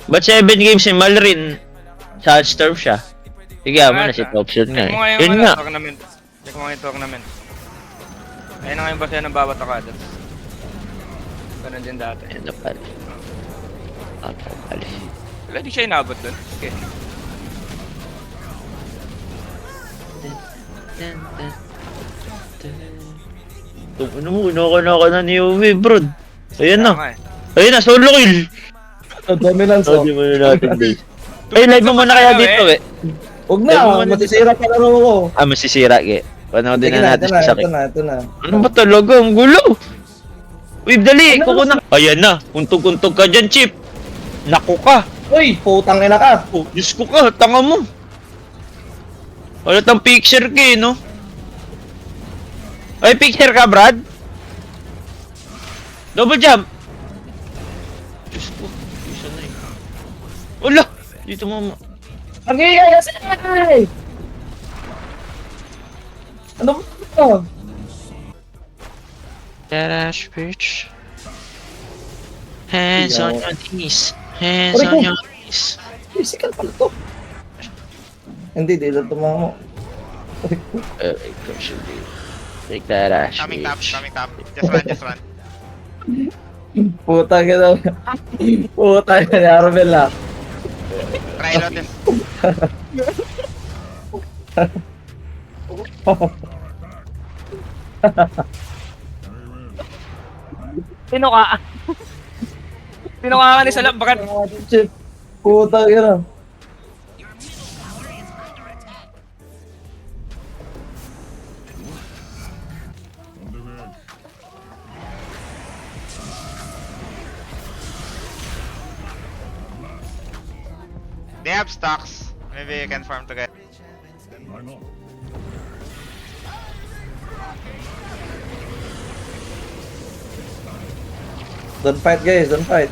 Ba't 7 games si Malrin? Sa Storm siya. Sige, mo na si top shot nga Check mo eh. nga yung Yun nga. tournament. Check mo nga yung tournament. Ayun na nga yung basihan ng bawat akadas. Ganun din dati. Ayun na pala. Ako pala. Wala di siya inabot dun. Okay. Ano mo, kinaka na ni Uwe, bro. Ayan Kaya na. nga eh. Ayun na, solo kill. Dominance, oh. Sabi mo na natin, guys. Ay, live mo muna kaya dito, eh. Huwag Live mo na, muna masisira pa laro ko. Ah, masisira, ge. Panoodin Sige na natin sa sakit. ito na. Ano ba talaga? Ang gulo! Wave, dali! Kuko na! Ayan na! Untog-untog ka dyan, Chip! Naku ka! Uy, putang ina ka. Oh, Diyos ko ka! Tanga mo! Wala tang picture ka eh, no? Ay, picture ka, Brad? Double jump! Diyos ko! Isa na eh. Wala! Dito mama. Ang iyay kasi ay! Ano ba ito? Dash, bitch. Hands on your knees. Hands Aray on ko. your knees. Physical pala to. Hindi, di lang tumama mo. Come should be. Take that ash, Coming top, bitch. coming top. Just run, just run. Putang ina. Putang ina ni Arvel ah. Try lotus. Sino ka? Sino ka ni Salap? Bakit? Chip. Putang ina. They have stocks. Maybe you can farm together. Don't fight guys, don't fight.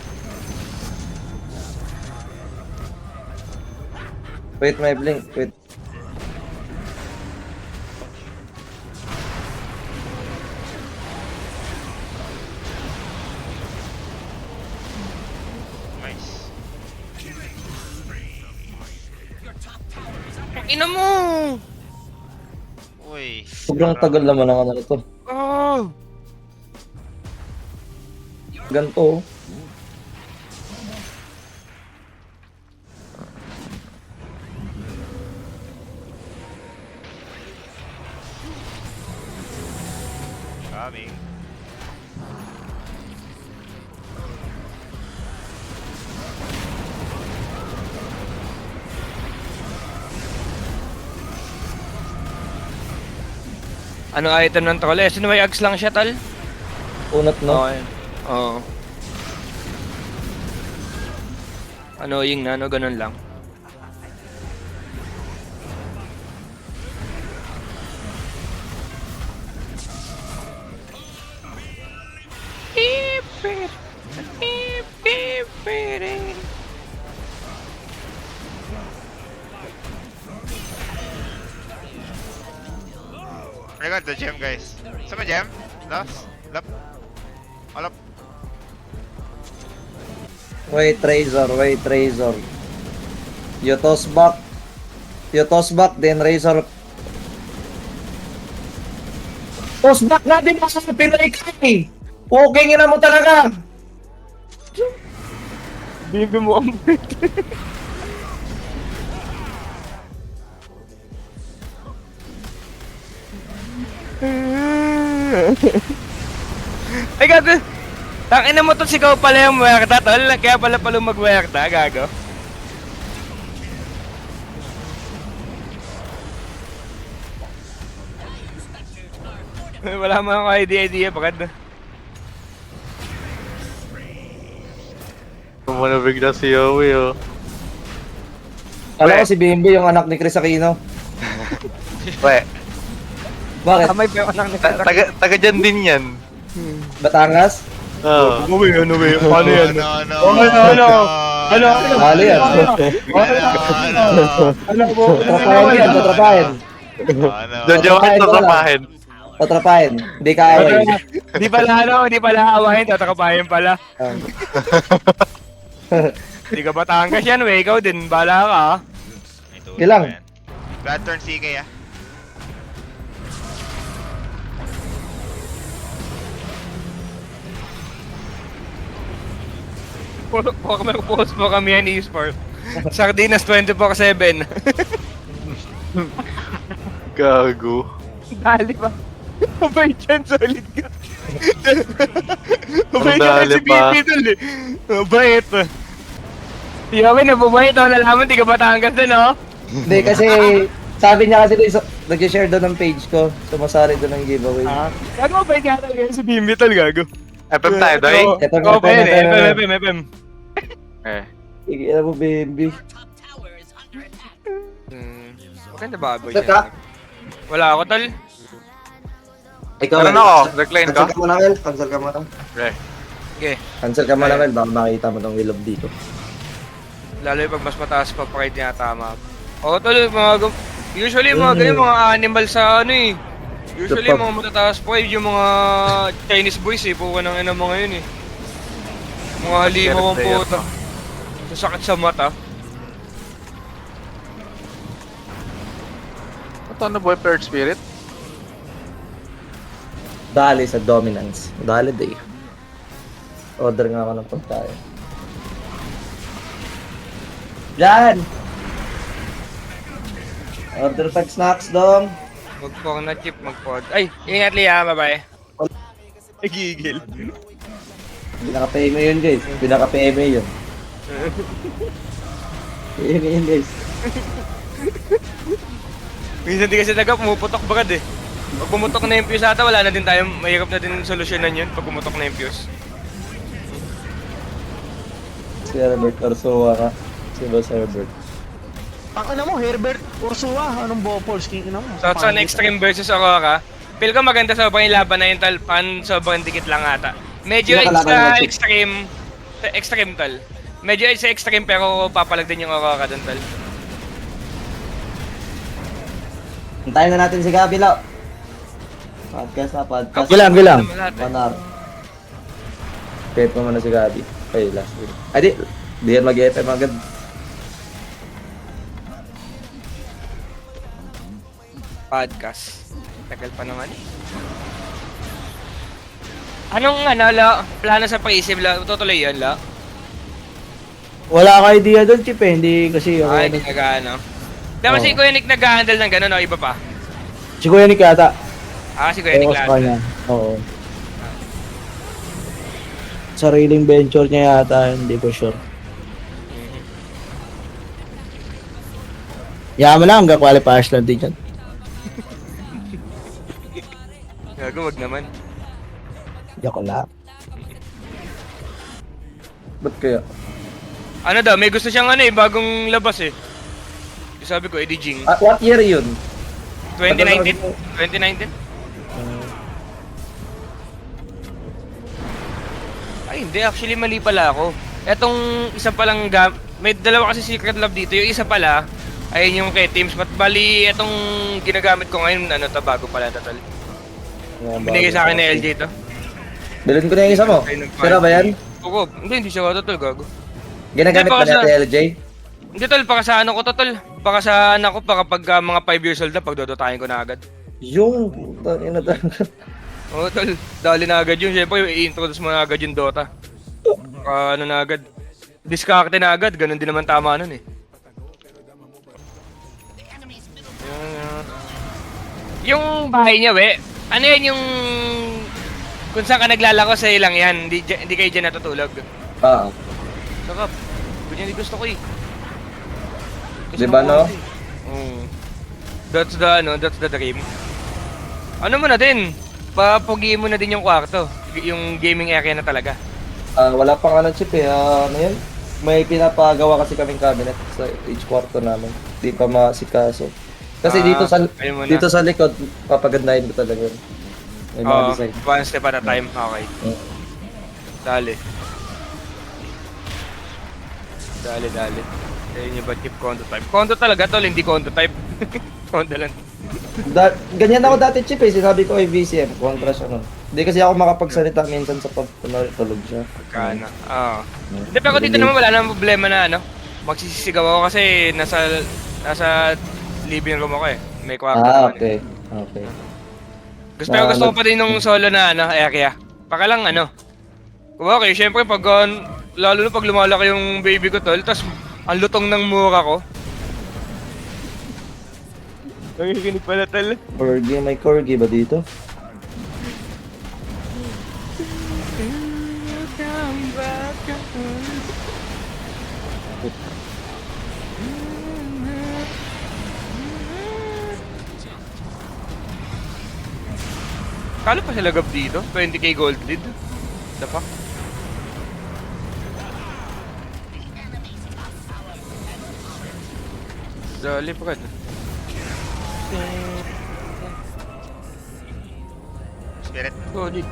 Wait my blink, wait. Nice. Ina mo! Uy. Sobrang tagal naman ang ano nito. Oh! Ganto. Coming. Ano item ng troll? Eh, sino may ags lang siya, tal? Unat no. Okay. Oo. Annoying na, no? Ganun lang. I got the gem, guys. Sama gem? Last? Lap? All up. Wait Razor, wait Razor. You toss back. You toss back, then Razor. Toss back na din sa Pinoy ka eh. Okay na mo talaga. Bibi mo ang Ay, gago! Tangina mo to, sigaw pala yung muerta, tol. Kaya pala mag-muerta, gago. Wala mo akong idea, bakit? Kumana bigla si Yowie, oh. Alam ko si Bimbi yung anak ni Chris Aquino. We, Bakit? Kamay pa yung anak ni Karak. taga dyan din yan. Batangas? Oo. Ano ba yun? Paano yan? No. Ano? Halo yan. Ano po? Tatrapahin yan, tatrapahin. Jojokin sa sapahin. Tatrapahin. Hindi ka away. Di pala awahin, tatakapahin pala. Di ka Batangas yan, we. Ikaw din. Bala ka, ha? May tulog Ilang? pa yan. Bad turn CK ah. Post mo kami yan, e-sport. Sardinas 24/7. Gago. Dali ba? Mabait yan, solid ka. Mabait Ang yan si dali pa. BP dun eh. Mabait. Di kami nabumait, oh, nalaman, di ka Batangas din, oh. Hindi, kasi sabi niya kasi nag-share doon ng page ko. Sumasari doon ng giveaway. Gago, mabait nga talaga si BP tol, gago. FM tayo, Doy? Ito, Oo, ito, pwede. ito, ito. FM. Eh. Sige, alam mo, baby. Maganda baboy Sir ka? yan. Wala ako, tol. Ikaw, Meron ako, recline ka? Cancel ka muna, Mel. Cancel ka muna. Okay. Okay. Cancel ka muna, Mel. Baka makita mo tong willow dito. Lalo yung pag mas mataas pa pa kayo tinatama. Oo, tol, usually mga ganyan, mga animal sa ano eh. Usually Kapag- mga matataas pa yung mga Chinese boys eh. Puka ng ina mga yun eh. Mga halimaw ang Player puta. Sasakit sa mata. Ito na boy, Third Spirit? Dali sa dominance. Dali day. Order nga ako ng pagkain. Yan! Order tag snacks dong. Magpong na chip, magpod. Ay, ingat Lia, bye-bye. Nagigil. Pinaka-PMA yun, guys. Pinaka-PMA yun. PMA yun, guys. Minsan di kasi taga pumuputok bagad eh. Pag pumutok na yung fuse ata, wala na din tayo, mahirap na din solusyonan yun pag pumutok na yung fuse. Si Herbert Orsua ka. Si Boss Herbert. Ang ina mo, Herbert Ursula, anong Bopols? King ina mo. So, sa Extreme versus Aurora, feel ko maganda sobrang yung laban na yun, tal, pan sobrang dikit lang ata. Medyo Sino kalaban sa mo, Chip? extreme tal. Medyo sa extreme pero papalag din yung Aurora dun tal. Hintayin na natin si Gabi, Lau. Podcast na, podcast. Gilang. Panar. Pepe mo na si Gabi. Okay, last week. Ay, di yan mag-FM agad. Podcast. Tagal pa naman eh. Anong ano, la, plano sa pre-save la? Tutuloy yun, la? Wala ka idea doon, Chip eh. Hindi kasi ako. Ay, hindi nag-ano. Dapat si Kuya Nick nag-handle ng gano'n, o iba pa? Si Kuya Nick yata. Ah, si Kuya Nick Ewan sa lahat. kanya. Oo. Sariling venture niya yata, hindi ko sure. Yaman lang, hanggang qualifiers lang din yan. Gago, wag naman. Yako lang. Ba't kaya? Ano daw, may gusto siyang ano eh, bagong labas eh. Yung sabi ko, Eddie Jing. What year yun? 2019? 2019? Ay, hindi. Actually, mali pala ako. Etong isa palang may dalawa kasi Secret Love dito. Yung isa pala, ayun yung kay Teams. But bali, etong ginagamit ko ngayon, ano to, bago pala total. Binigay sa akin ni LJ to. Bilhin ko na yung isa mo. Sira ba yan? Oo, hindi siya total, gago. Ginagamit Hindi, ba baka natin sa- LJ? Hindi tol, baka sa ano ko to tol. Baka sa anak ko, baka pag mga 5 years old na, pagdodotahin ko na agad. Yung, putang ina talaga. Oo tol, dali na agad yun. Siyempre, i-introduce mo na agad yung Dota. Ano na agad. Discarte na agad, ganun din naman tama nun eh. Yung bahay niya, we. Ano yan yung... Kung saan ka naglalako, sa'yo lang yan. Hindi kayo dyan natutulog. Ah, Sakap. Ganyan din gusto ko eh. Di ba, no? That's the dream. Ano mo na din? Papugiin mo na din yung kwarto. Yung gaming area na talaga. wala pang ano chip eh. Ano yun? May pinapagawa kasi kaming cabinet sa each kwarto namin. Di pa masikaso. Kasi ayun muna. dito sa likod, papagandahin ko talaga. May mga Oo, design. one step at a time. Okay. Dali. Dali. Ayun yung ba chip condo type. Condo talaga tol, hindi condo type. Condo lang. Ganyan ako dati chip eh. Sinabi ko ay VCM. Kontra siya nun. Hindi kasi ako makapagsalita minsan sa pag tulog siya. Kana. Hindi, pero dito naman wala namang problema na ano. Magsisisigaw ako kasi nasa living room ako eh. May kwarto naman eh. Okay. Okay. Pero gusto ko pa din nung solo na area. Baka lang okay, syempre pag lalo na pag lumalaki yung baby ko tol, tas ang lutong ng mura ko. Nakikinig pala tol. Corgi, may corgi ba dito? Kalo pa sila gab dito? 20k gold lead? The fuck? Dali pa ka. Spirit. Solid.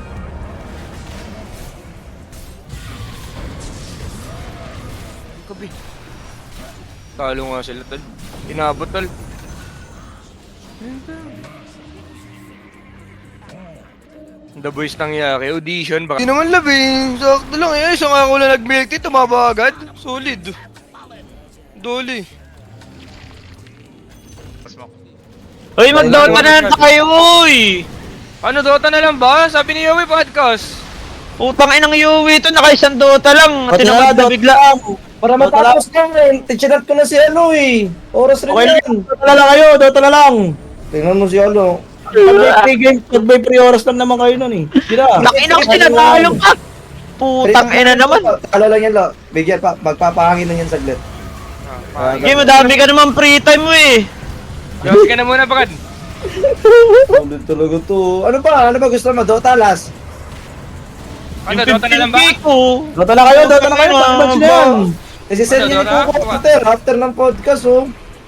Kabi. Talo nga sila tol. Inabot tol. The boys nangyari, audition baka. Hindi naman labing, sakto lang eh. Isang ako lang nag-milk tea, tumaba agad. Solid. Doli. Smoke. Uy, mag-Dota na lang tayo, uy! Ano, Dota na lang ba? Sabi ni Yowie podcast. Putang inang Yui ito, naka-isang Dota lang. Tinamad na bigla. Para matapos lang eh. Tichinat ko na si ano eh. Oras rin yan. Dota na lang kayo, Dota na lang. Tingnan mo si ano. Pag may free game, pag may free oras lang naman kayo nun eh. Sira. Nakina ko sinatalo ka! Putang ina naman. Talo lang yan lo. Bigyan pa. Magpapahangin na yan saglit. Game, madami ka naman free time mo eh. Yowie ka na muna, Brad. Ulit talaga to. Ano ba gusto mo? Dota last. Ano, Dota na lang ba? 15K ko. Dota na kayo, Dota na kayo. Pag-match na yan. Kasi send niyo Dota, ko after ng podcast oh.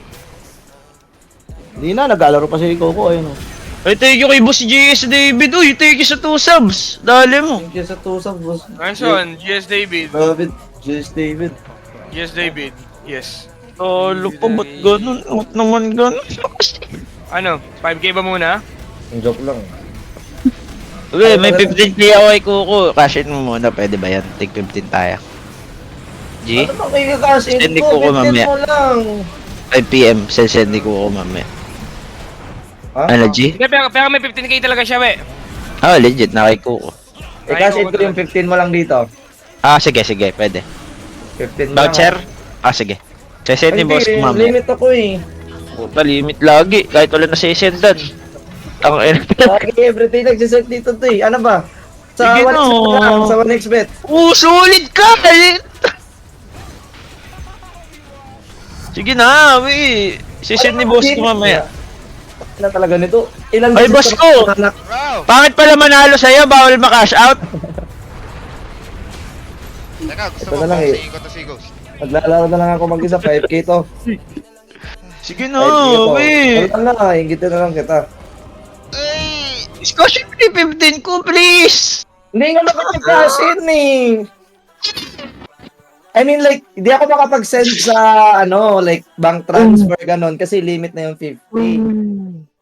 Hindi na, naglalaro pa si Coco. Ayun oh. Ay, thank you kay Boss GS David. Uy, thank you sa 2 subs. Dali mo. Thank you sa tusap boss. Anson, GS David. David. Just David. GS David. Yes. Talo pa, ba't ganun? Ba't naman ganun? Ano, 5k ba muna? Ang joke lang. Okay, may 15K ako kay Kuko. Cash in mo muna, pwede ba yan? Take 15 tayo. G? Ano ba kayo cash in Send ni ko? Coco 15 mamaya. mo lang. 5 PM, send ni Kuko mamaya. Ha? Ano, G? Hindi, pero may 15k talaga siya, we. Oh, legit, na kay Kuko. Eh cash in ko yung 15 mo lang dito. Ah, sige, pwede. 15 mo lang. Voucher? Ah, sige. Send ni Ay, boss ko hindi, mamaya. limit ako eh. Puta, limit lagi. Kahit wala na sisendan. Ang Lagi everyday nagsiset dito to eh. Ano ba? Sa Sige 1xbet no. lang, sa 1xbet. Solid ka! Sige na, we. Sisend ni boss ko mamaya. Na talaga nito. Ilan Ay, boss ko! Anak. Bro! Pangit pala manalo sa'yo, bawal ma-cash out. Teka, gusto Ito mo na lang eh. boxing ko to si Ghost. Maglalaro na lang ako mag-isa, 5k to. Sige 5k na, to. we. Wala na, hingitin na lang kita. Ay! Discussion 15 ko, please. Hindi nga nakapag-cash in eh. I mean like, hindi ako makapag-send sa ano, like bank transfer ganon kasi limit na yung 50.